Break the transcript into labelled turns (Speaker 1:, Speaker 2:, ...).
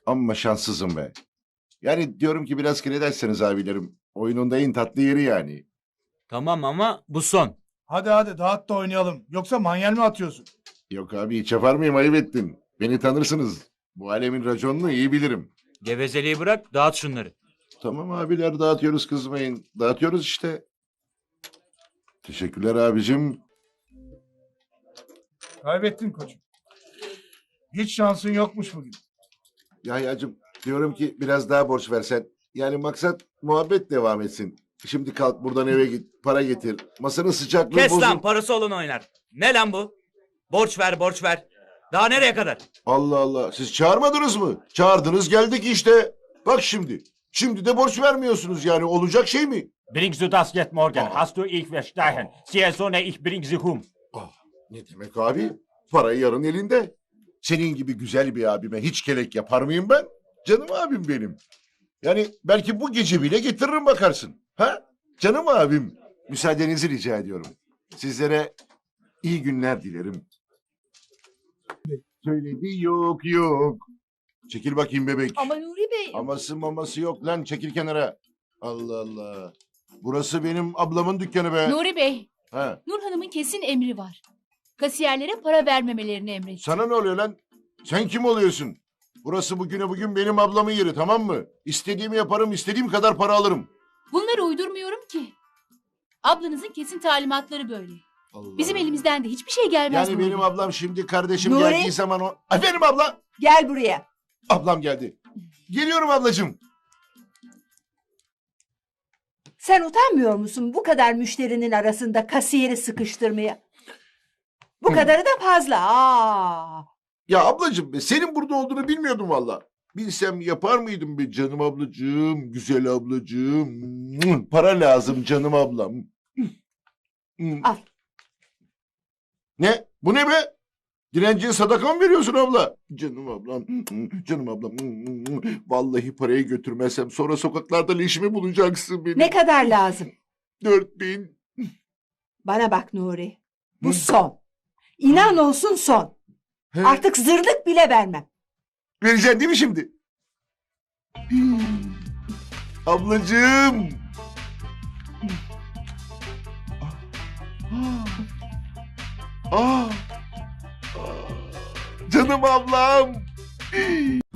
Speaker 1: Amma şanssızım be. Yani diyorum ki biraz krederseniz abilerim. Oyunun da en tatlı yeri yani.
Speaker 2: Tamam ama bu son.
Speaker 3: Hadi hadi dağıt da oynayalım. Yoksa manyel mi atıyorsun?
Speaker 1: Yok abi hiç yapar mıyım, ayıp ettin. Beni tanırsınız. Bu alemin raconunu iyi bilirim.
Speaker 2: Gevezeliği bırak, dağıt şunları.
Speaker 1: Tamam abiler, dağıtıyoruz, kızmayın. Dağıtıyoruz işte. Teşekkürler abicim.
Speaker 3: Kaybettin koçum. Hiç şansın yokmuş bugün.
Speaker 1: Yahyacığım diyorum ki biraz daha borç versen. Yani maksat muhabbet devam etsin. Şimdi kalk buradan eve git, para getir. Masanın sıcaklığı
Speaker 2: Kes
Speaker 1: bozul.
Speaker 2: lan, parası olan oynar. Ne lan bu? Borç ver, borç ver. Daha nereye kadar?
Speaker 1: Allah Allah, siz çağırmadınız mı? Çağırdınız geldik işte. Bak şimdi. Şimdi de borç vermiyorsunuz, yani olacak şey mi?
Speaker 4: Bring du das jetzt morgen? Hast du ich verstanden? Sie Sonne, ich bring sie hum.
Speaker 1: Ah, ne demek abi? Para yarın elinde. Senin gibi güzel bir abime hiç kelek yapar mıyım ben? Canım abim benim. Yani belki bu gece bile getiririm bakarsın. Ha? Canım abim. Müsaadenizi rica ediyorum. Sizlere iyi günler dilerim. Söyledi yok yok. Çekil bakayım bebek.
Speaker 5: Ama Nuri Bey.
Speaker 1: Aması maması yok lan, çekil kenara. Allah Allah. Burası benim ablamın dükkanı be.
Speaker 5: Nuri Bey.
Speaker 1: Ha.
Speaker 5: Nur Hanım'ın kesin emri var. Kasiyerlere para vermemelerini emretti.
Speaker 1: Sana ne oluyor lan? Sen kim oluyorsun? Burası bugüne bugün benim ablamın yeri, tamam mı? İstediğimi yaparım, istediğim kadar para alırım.
Speaker 5: Bunları uydurmuyorum ki. Ablanızın kesin talimatları böyle.
Speaker 1: Allah
Speaker 5: Bizim
Speaker 1: Allah.
Speaker 5: elimizden de hiçbir şey gelmez.
Speaker 1: Yani
Speaker 5: Nuri
Speaker 1: benim
Speaker 5: Bey.
Speaker 1: ablam şimdi kardeşim
Speaker 6: Nuri?
Speaker 1: geldiği zaman o... Ay benim abla!
Speaker 6: Gel buraya.
Speaker 1: Ablam geldi. Geliyorum ablacığım.
Speaker 6: Sen utanmıyor musun bu kadar müşterinin arasında kasiyeri sıkıştırmaya? Bu kadarı da fazla. Aa.
Speaker 1: Ya ablacığım be, senin burada olduğunu bilmiyordum valla. Bilsem yapar mıydım be canım ablacığım, güzel ablacığım. Para lazım canım ablam.
Speaker 6: Al.
Speaker 1: Ne? Bu ne be? Dilenciye sadaka mı veriyorsun abla? Canım ablam, canım ablam. Vallahi parayı götürmezsem sonra sokaklarda leşimi bulacaksın benim.
Speaker 6: Ne kadar lazım?
Speaker 1: 4000.
Speaker 6: Bana bak Nuri. Bu son. İnan olsun son.
Speaker 1: He,
Speaker 6: Artık zırlık bile vermem.
Speaker 1: vereceksin değil mi şimdi? Ablacığım. Ah. Canım ablam.